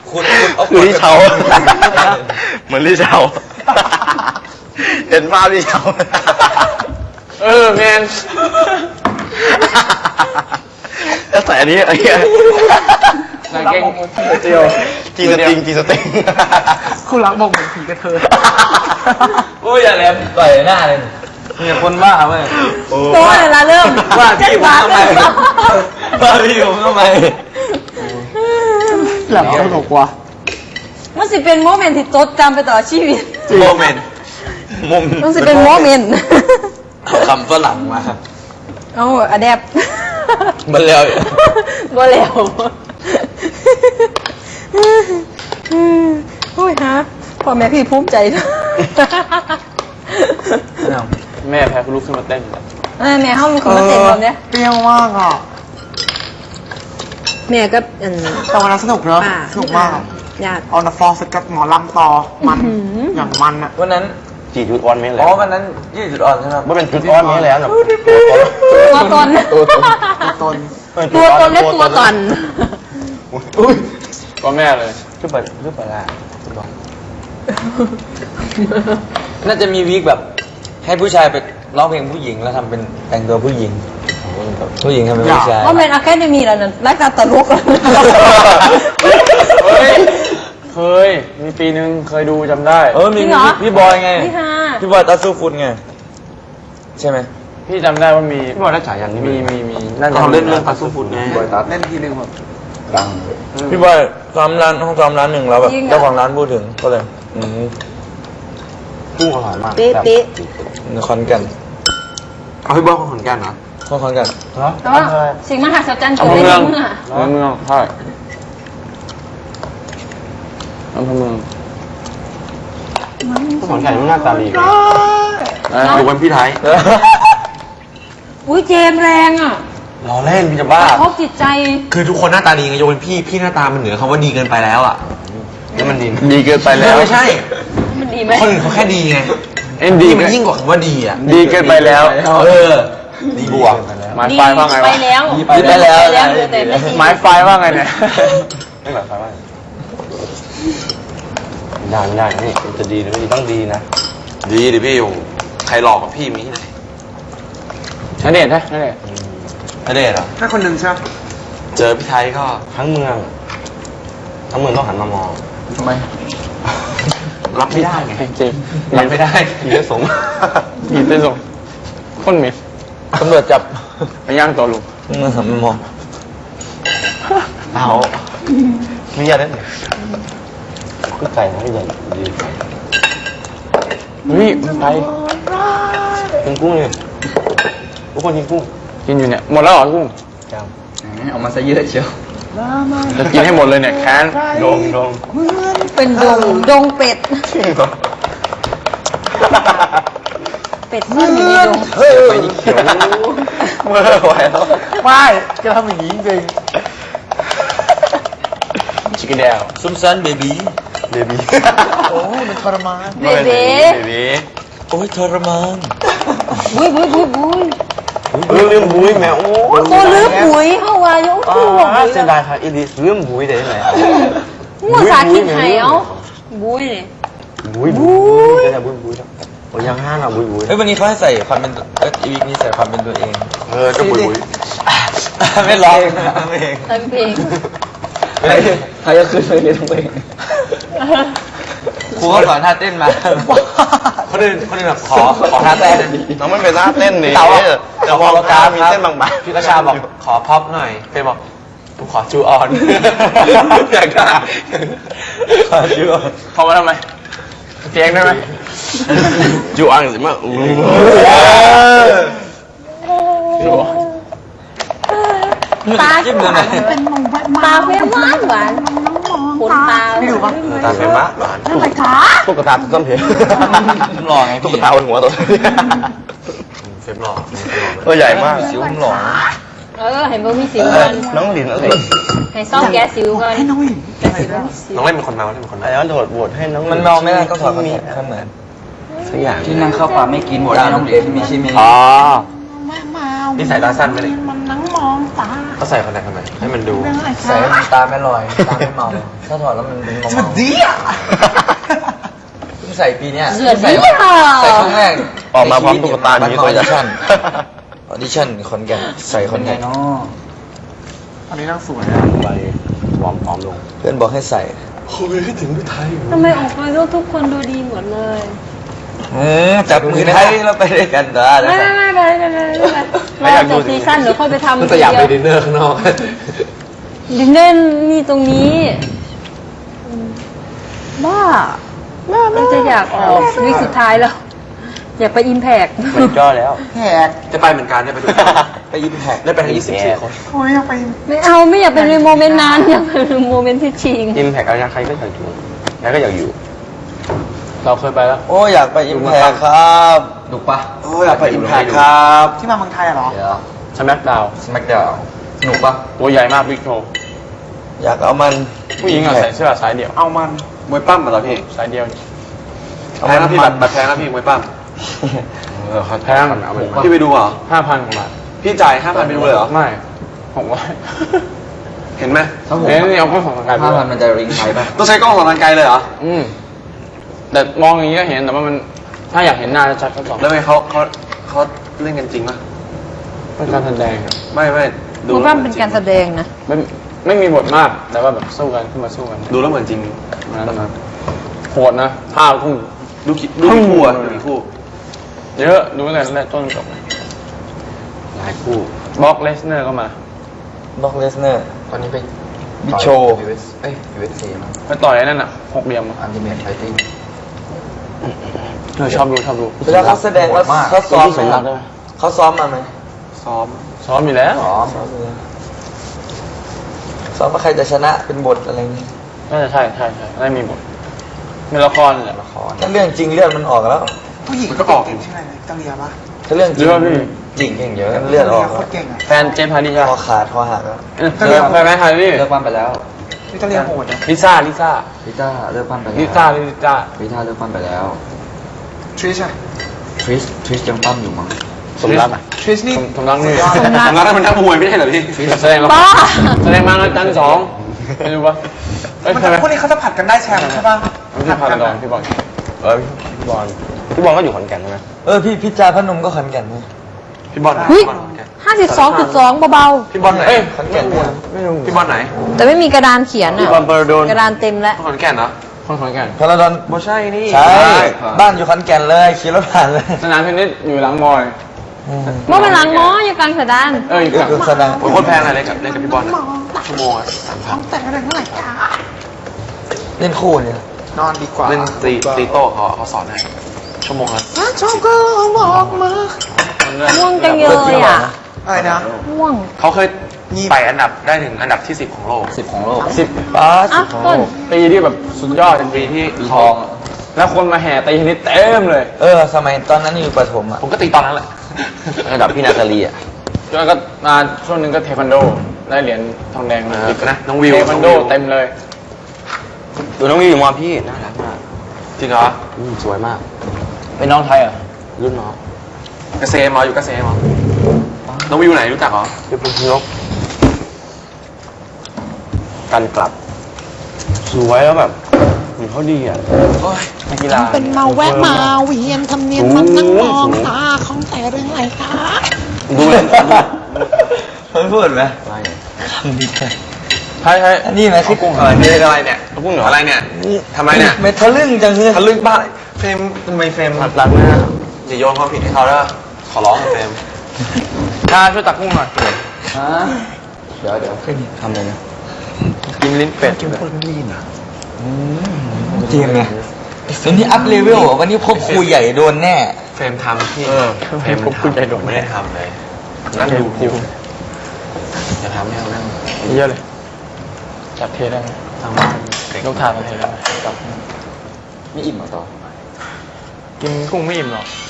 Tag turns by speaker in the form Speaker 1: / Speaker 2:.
Speaker 1: คุณคือที่เชาเหมือนที่เชาเห็นภาพที่เชา
Speaker 2: แมน
Speaker 1: แล้วใส่อันนี้
Speaker 2: นางเก่งเจียว
Speaker 1: จีสติง
Speaker 2: คู่รักบอกเหมือนผีกระเทย
Speaker 3: โอ้ยอย่าแหลมต่อยหน้าเลย
Speaker 2: เนี่ยคนบ้าเว้ย
Speaker 4: โต้เลยละเริ่ม
Speaker 1: ว่าพี่ผมทำไมว่าพี่ผมทำไม
Speaker 2: หลับสนุกว่ะ
Speaker 4: มันสิเป็นโมเมนต์ที่จดจำไปตลอดชีวิต
Speaker 1: โมเมนต์
Speaker 4: มันสิเป็นโมเมนต์
Speaker 1: เอาคำฝรั่งมา
Speaker 4: เอาอะแดป
Speaker 1: มันแล้ว
Speaker 4: บ่แล้วโอ้ยฮะพ่อแม่พี่ภูมิใจนะ
Speaker 2: แม่แพ้ลุกขึ้นมาเต้น
Speaker 4: แม่ห้องมีคนมาเต้นตอนเนี้ย
Speaker 2: เปรี้ยวมากอ่ะ
Speaker 4: แม่ก็
Speaker 2: ตอนนั้นสนุกเนอะสนุกมาก
Speaker 4: อยาก
Speaker 2: เอาหน้าฟอสกัดหมอลำต่อมันอย่างมันอ่ะ
Speaker 3: วันนั้น
Speaker 1: จีจุดอ่อนไม่แล้ว
Speaker 3: วันนั้น20 จุดอ่อนใช่ไหม
Speaker 1: ว่าเป็นจุดอ่อนไม่แล้วนะ
Speaker 4: ตัวตนและตัวตน
Speaker 2: ก็แม่เลย
Speaker 1: ขึ้นไปละ
Speaker 3: น่าจะมีวีคแบบให้ผู้ชายไปร้องเพลงผู้หญิงแล้วทำเป็นแต่งตัวผู้หญิงทำเป็นผู้ชาย
Speaker 4: ว่าเป็นอะแคเดมี่แล้วนั่นรายการตลก
Speaker 2: เคยมีปีนึงเคยดูจำได้
Speaker 3: มีพี่บอยไงพี่บอยตาสู้ฟุตไงใช่ไหม
Speaker 2: พี่จำได้ว่ามี
Speaker 1: พี่บอยได้ฉายอย่างนี้
Speaker 2: มี
Speaker 1: นั่นเขาเล่นเรื่องตาสู้ฟุตไง
Speaker 2: เล่นทีนึงแบบ
Speaker 1: ดัง
Speaker 3: พี่บอยซ้อมร้านห้องซ้อมร้านหนึ่งแล้วแบบเจ้าของร้านพูดถึงก็เลย
Speaker 1: กุ้งอร่อยมาก
Speaker 4: ปิ๊ะ
Speaker 3: คอนแก่น
Speaker 1: เอาพี่บอยคนขอนแก่นนะ
Speaker 3: คอนแก่น
Speaker 4: เหรอสิ่งมหัศจรรย์เกิดในเมือง
Speaker 2: ใช่อำเภอเมือง
Speaker 1: ขอนแก่นมันหน้าตาดีดูเป็นพี่ไทย
Speaker 4: อุ้ยเจมแรงอ่ะ
Speaker 1: ล้อเล่นพี่จะบ้า
Speaker 4: พบจิตใจ
Speaker 1: คือทุกคนหน้าตาดีไงยกเป็นพี่หน้าตามันเหนือคำว่าดีเกินไปแล้วอ่ะนี่มัน
Speaker 2: ดีเกินไปแล้ว
Speaker 1: ไม่ใช่
Speaker 4: มันดีไหม
Speaker 1: คนอื่นเขาแค่ดีไง
Speaker 2: ดี
Speaker 1: มันยิ่งกว่าคำว่าดีอ่ะ
Speaker 2: ดีเกินไปแล้ว
Speaker 1: ดีบวก
Speaker 2: หมายไฟว่าไง
Speaker 4: ไปแล้ว
Speaker 2: หมายไฟว่าไงเนี่ย
Speaker 1: ไม่หมายไฟว่าไม่ได้นี่จะดีหรือไม่ดีต้องดีนะดีดิพี่ใครหลอกกับพี่มีที่ไหน
Speaker 2: ณเดชน์ใช่ณเดชน์
Speaker 1: เหรอ
Speaker 2: แค่คนหนึ่งใช่
Speaker 1: เจอพี่ไทยก็ทั้งเมืองต้องหันมามอง
Speaker 2: ทำไม
Speaker 1: รับไม่ได้ไง
Speaker 2: จริง
Speaker 1: รับไม่ได้ผีจะสง
Speaker 2: คนเหม็น
Speaker 3: ตำรวจจับ
Speaker 2: ไปย่างตัวลุง
Speaker 3: หันมามอง
Speaker 1: เอาไม่ยากเลยก็ไก่นะใหญ่ดี
Speaker 2: ไป
Speaker 1: กินกุ้งเลยทุกคนกินกุ้ง
Speaker 2: กินอยู่เนี่ยหมดแล้วเหรอกุ้ง
Speaker 1: ยัง
Speaker 3: เอามาซะเยอะเชียว
Speaker 2: จะกินให้หมดเลยเนี่ยแค้น
Speaker 1: ดง
Speaker 4: เป็นดงเป็ดเป็ดเมื่ออยู่ในดง
Speaker 1: ไปยิ่งเขียวเมื่อไหวแล้ว
Speaker 2: ไม่จะทำอย่างนี้จริงชิคกี้พาย
Speaker 3: ซุ่มซันเบบี้
Speaker 2: โอ้มันทรมาน
Speaker 4: เบบี
Speaker 3: โอ้ยทรมาน
Speaker 4: บุ้ย
Speaker 1: ลืมบุ้ยแมวโอ้
Speaker 4: ตัวลืมบุ้ยเข้าว่ายุ่งตัว
Speaker 1: เสียดายค่ะอีลิสลืมบุ้ยได้ไหม
Speaker 4: หัวสาคิดไห้เอาบุ้ย
Speaker 1: จะบุ้ยโอ้ยังห้างอ่ะบุ้ย
Speaker 3: วันนี้เขาให้ใส่ความเป็นอีวิกนี้ใส่ความเป็นตัวเอง
Speaker 1: ก็บุ้ย
Speaker 3: ไม่ร้อง
Speaker 4: เพลง
Speaker 3: ใครจะขึ้นไปเรียนเพลงครูเขาสอนท่าเต้นมา
Speaker 1: คนอื่นแบบขอท่าเต้นน้องไม่เป็นท่าเต้นนี่แต่พอเราการมีเต้นบางๆ
Speaker 3: พี่กระชาบอกขอพ็อปหน่อยเฟย์บอกกูขอจูออน
Speaker 1: อยากได้
Speaker 3: ขอจูออน
Speaker 2: พอมาทำไมเสียงได้ไหม
Speaker 1: จูออนสิมา
Speaker 4: ตาจิ้มเลยเป็นตาเฟ้มากหวานขนตา
Speaker 1: พี่ดูป่ะตาเฟ้มากหวานตุ๊กตาต้นเพล
Speaker 3: หล่อไง
Speaker 1: ตุ๊กตาบนหัวตัวเฟ้มหล่อตัวใหญ่มาก
Speaker 3: สิวหล่อ
Speaker 4: เห็นว่ามีสิวกัน
Speaker 1: น้องหลินอะไร
Speaker 4: ให้ซ่อมแก้สิวกันให้น้องหลิน
Speaker 1: น้องเล่นเป็นคนเมาไอ้ย้อนโดดโหวตให้น้อง
Speaker 3: มันเมาไม่ได้ก็ถอดมีข้างเหมือน
Speaker 1: สักอย่าง
Speaker 3: ที่นั่งเข้าป่าไม่กินหมดน้องหลินมีชิมิ
Speaker 1: นิสัยตาสั้นไปเลย
Speaker 4: มันนั่งมองตา
Speaker 1: เขาใส่คอนแทคทำไมให้มันดู
Speaker 3: ใส่ให้มันตาไม่ลอยตาไม่เมาถ้าถอดแล้วมันเป็นเมาๆ
Speaker 5: ดีอ่ะ
Speaker 3: เพิ่งใส่ปีเนี้ย
Speaker 4: เสือ
Speaker 3: ใส่
Speaker 4: ดี
Speaker 3: ค
Speaker 4: อ่ะ
Speaker 3: รั้งแรก
Speaker 1: ออกมาพร้อมตุ๊กตาอย่างนี้
Speaker 3: อ
Speaker 1: ตั
Speaker 3: อ
Speaker 1: วใหญ่
Speaker 3: ดิชั่นคอนแกนใส่คอนแกน
Speaker 5: อันนี้นั่งสวย
Speaker 1: ไปวอร์มพร้อมลง
Speaker 3: เพื่อนบอกให้ใส่
Speaker 4: ทำไมออกมาแล้วทุกคนดูดีหมดเลย
Speaker 3: จับมือไทยแล้วไปด้วยกันจ้า
Speaker 4: ไม่ไปรอจบซีซั่นเดี๋ยวค่อยไปทำ
Speaker 1: แต่อยากไปดินเนอร์ข้างนอก
Speaker 4: ดินเน่นนี่ตรงนี้บ้ามันจะอยากออกวีคสุดท้ายแล้ว อยากไปอิมแพก
Speaker 1: มันก็แล้ว
Speaker 5: แหก
Speaker 1: จะไปเหมือนกันจะไปดู
Speaker 3: ไปยิมแพก
Speaker 1: ได้ไปทั้ง24 คน
Speaker 5: โอ้ยอยากไป
Speaker 4: ไม่เอาไม่อยากเป็นในโมเมนต์นั้นอยากเป็นในโมเมนต์ที่ชิง
Speaker 1: อิมแพกอะไรใครก็อยากอยู่ใครก็อยากอยู่
Speaker 2: เราเคยไปแล้ว
Speaker 3: โอ้อยากไปอิมแพกครับดุปะ
Speaker 1: โอ้อยากไปอิมแพกครับ
Speaker 5: ที่มาเมืองไทยอะเหรอ
Speaker 3: เดี๋ยว
Speaker 2: สแมกดาว
Speaker 3: สมักดาวหนุกปะ
Speaker 2: ตัวใหญ่มากบิ๊กโชว์
Speaker 3: อยากเอามัน
Speaker 2: ผู้หญิงอะใส่เสื้อสายเดี่ยว
Speaker 5: เอามัน
Speaker 1: มวยปั้มเหรอพี่
Speaker 2: สายเดี่ยว
Speaker 1: แพงนะพี่บัตรแพงนะพี่มวยปั้ม
Speaker 2: แพง
Speaker 1: พี่ไปดูเหรอ
Speaker 2: 5,000กว่าบาท
Speaker 1: พี่จ่าย 5,000ไปดูเลยเหรอ
Speaker 2: ไม่ผมว่า
Speaker 1: เห็นไหม
Speaker 2: เอ๊ะนี่เอาข้อของกายไป
Speaker 3: 5,000มันจะริงไทยปะ
Speaker 1: ต้องใช้กล้องส่องทางไกลเลยเหรอ
Speaker 2: แต่มองอย่างนี้ก็เห็นแต่ว่ามันถ้าอยากเห็นหน้าชัดๆก็สอง
Speaker 1: แล้วไงเขาเล่นกันจริงปะ
Speaker 2: เป็นการแสดงครับ
Speaker 1: ไม่ดู
Speaker 4: คุณว่าเป็นการแสดงนะ
Speaker 2: ไม่มีบทมากแต่ว่าแบบสู้กันขึ้นมาสู้กัน
Speaker 1: ดูแล้วเหมือนจริง
Speaker 2: นั้นนะโหดนะท่าทุ่ง
Speaker 1: ดูกี่คู่อะดูกี่คู่
Speaker 2: เยอะดูตั้งแต่ต้นจบเลย
Speaker 1: หลายคู่
Speaker 2: บล็อกเลสเนอร์ก็มา
Speaker 3: บ็อกเลสเนอร์
Speaker 1: ตอนนี้ไป
Speaker 3: บิ๊กโชว์
Speaker 1: UFC มา
Speaker 2: ไปต่อยไอ้นั่นอ่ะ6เหลี่ยมอะ
Speaker 3: อันติเมทไฟติ้ง
Speaker 2: ชอบดู
Speaker 3: เวลาเขาแสดงแล้วเขาซ้อม
Speaker 2: สมรักได้ไหม
Speaker 3: เขาซ้อมมาไหม
Speaker 1: ซ้อม
Speaker 2: ซ้อมอยู่แล้ว
Speaker 3: ซ้อมเลยซ้อมว่าใครจะชนะเป็นบทอะไรนี้
Speaker 2: น่าจะใช่ได้มีบทมีละครแหละ
Speaker 3: ละครถ้าเรื่องจริงเลือดมันออกแล้ว
Speaker 5: ผู้หญิง
Speaker 1: มันก็ออก
Speaker 5: เก่งใช่ไหมอิตาเลียปะ
Speaker 3: ถ้าเรื่องจริง
Speaker 2: เยอะพี่
Speaker 3: จริงเก่งเยอะเลือดออก
Speaker 5: โคตรเก่งอ่ะ
Speaker 2: แฟนเจมส์ฮาร์ดี้ใช่
Speaker 3: คอ
Speaker 2: ปะ
Speaker 3: ขาดคอหักแล้ว
Speaker 2: เลิกไปไหมฮาร์ดี้
Speaker 3: เลิกปั้มไปแล้ว
Speaker 5: อิตาเลียโหดนะ
Speaker 2: ลิซ่า
Speaker 3: ลิต้าเลิกปั้มไปแล้ว
Speaker 2: ลิซ่าเลิซ่า
Speaker 3: เลิกปั้มไปแล้ว
Speaker 5: ทริชอะ
Speaker 3: ทริสยังปั้มอยู่มั้ง
Speaker 2: สมรักอ่ะ
Speaker 5: ทริชนี่
Speaker 2: สมรักนี่
Speaker 1: ผมรักมันนักมวยไม่ใช่เหรอพี่
Speaker 2: แสดงละ
Speaker 4: บ้า
Speaker 2: แสดงมาแล้วจันทร์2ไม่รู้ปะเอ้ย
Speaker 5: มัน
Speaker 2: ใช่ไหม
Speaker 5: พวกนี้เขาจะผัดกันได้แชมป์ใช่ปะ
Speaker 2: พี่พาดอนพี่บอล
Speaker 1: พี่บอลก็อยู่ขอนแก่นใช่ไหม
Speaker 3: พี่พิจาพนมก็ขอนแก่นไหม
Speaker 1: พี่บอลไหน
Speaker 4: เฮ้ย
Speaker 1: พี่บอลขอนแก่น
Speaker 4: 52.2 เบา
Speaker 1: พี่บอลไหน
Speaker 2: เอ้ย
Speaker 3: ขอนแก่นเนี่ย
Speaker 2: ไม่รู้
Speaker 1: พี่บอลไหน
Speaker 4: ๆ แต่ไม่มีกระดานเขียน
Speaker 1: พี่
Speaker 4: อ่ะ
Speaker 1: บอลเบอร์โดน
Speaker 4: กระดานเต็มแล้ว
Speaker 1: ขอนแก่นเหรอ
Speaker 2: คนขอนแก่น
Speaker 3: พาราดอน
Speaker 1: บ่ใช่นี่
Speaker 3: ใช่บ้านอยู่ขอนแก่นเลยขี่รถผ่านเลย
Speaker 2: สนามเทนนิสอยู่หลังมอย
Speaker 4: เมื่อเป็นหลังหมออยู่กลางกระดาน
Speaker 2: เอ้ยหลัง
Speaker 3: คือแสดง
Speaker 1: โอ้ยโคตรแพงเลยเล่นกับพี่บอลอะชั่วโมงอะ3,000
Speaker 5: แต่งอะไรเท่าไหร่คะ
Speaker 3: เล่นคู่เนี่ย
Speaker 5: นอนดีกว่า
Speaker 1: เล่นตีโต้เขาสอนให้ชั่วโมงละ
Speaker 5: ชอบก็บอกมา
Speaker 4: ง่วงจังเลยอ่ะ
Speaker 5: อะไรนะ
Speaker 4: ง่วง
Speaker 1: เขาเคยไต่อันดับได้ถึงอันดับที่ 10 ของโลก
Speaker 3: 10 ของโลก
Speaker 2: 10
Speaker 3: ป้า
Speaker 4: อ่ะ
Speaker 3: 10 ของ
Speaker 4: ต้
Speaker 3: โล
Speaker 4: น
Speaker 3: ก
Speaker 2: ปีที่แบบสุดยอด
Speaker 1: เป็นปีที่
Speaker 3: ท
Speaker 1: เขา
Speaker 3: อง
Speaker 2: แล้วคนมาแห่ตีเทนนิสเต็มเลย
Speaker 3: สมัยตอนนั้นอยู่ประถมอ่ะ
Speaker 1: ผมก็ตีตอนนั้นแหละระดับพี่นาตาลีอ่ะ
Speaker 2: แล้วก็มาช่วงหนึงก็เทควันโดได้เหรียญทองแดงมา
Speaker 1: นะน้องวิว
Speaker 2: เทควันโดเต็มเลย
Speaker 1: ดูน้องวิวอยู่มอพี่น่ารักมากจริงเหรอสวยมาก
Speaker 2: เป็นน้องไทยเหรอ่ะ
Speaker 1: รุ่นน้องเกษมเหรออยู่เกษมเหรอน้องวิวไหนรู้จักเหรออยู่เป็นนกกันกลับ สวยแล้วแบบเหมือนเขาดีอ่ะ
Speaker 2: นักกีฬา
Speaker 5: เป็นเมาแวะมาเวียนทำเนียนมันนั่งมองตาของแต่เรื่องอะไรคะ
Speaker 1: ดูเลย
Speaker 3: มันพูดไหม
Speaker 1: อะไร
Speaker 3: คำดีแค่
Speaker 2: ใช่ใช่
Speaker 3: อันนี้ไหมที่กุ้ง
Speaker 1: อะไรนี่อะไรเนี่ยกุ้งเหรออะไรเนี่ยทำไมเนี่ย
Speaker 3: ไม่ทะลึ่งจังเลย
Speaker 1: ทะลึ่งบ้าเฟรมทำไมเฟรมรักนะอย่าโยนความผิดให้เขาแล้วขอร้องเฟรม
Speaker 2: ถ้าช่วยตักกุ้งหน่อย
Speaker 3: ฮะเดี๋ยวทำเลยนะ
Speaker 1: กินลิ้นเป็ด
Speaker 3: จริงไงวันนี้อัพเลเวลวันนี้พบครูใหญ่โดนแน่
Speaker 1: เฟรมทำที่เฟรม
Speaker 2: ผมคุณใจโดด
Speaker 1: ไม่ได้ทำเลยนั่งดูจะทำให้เรานั่ง
Speaker 2: เยอะเลยจับเทได้ไหม
Speaker 1: ทางบ้าน
Speaker 2: ยกถาดมาเทได้ไหมจับ
Speaker 3: ไม่อิ่มเหรอต่อ
Speaker 2: กินกุ้งไม่อิ่มหรอก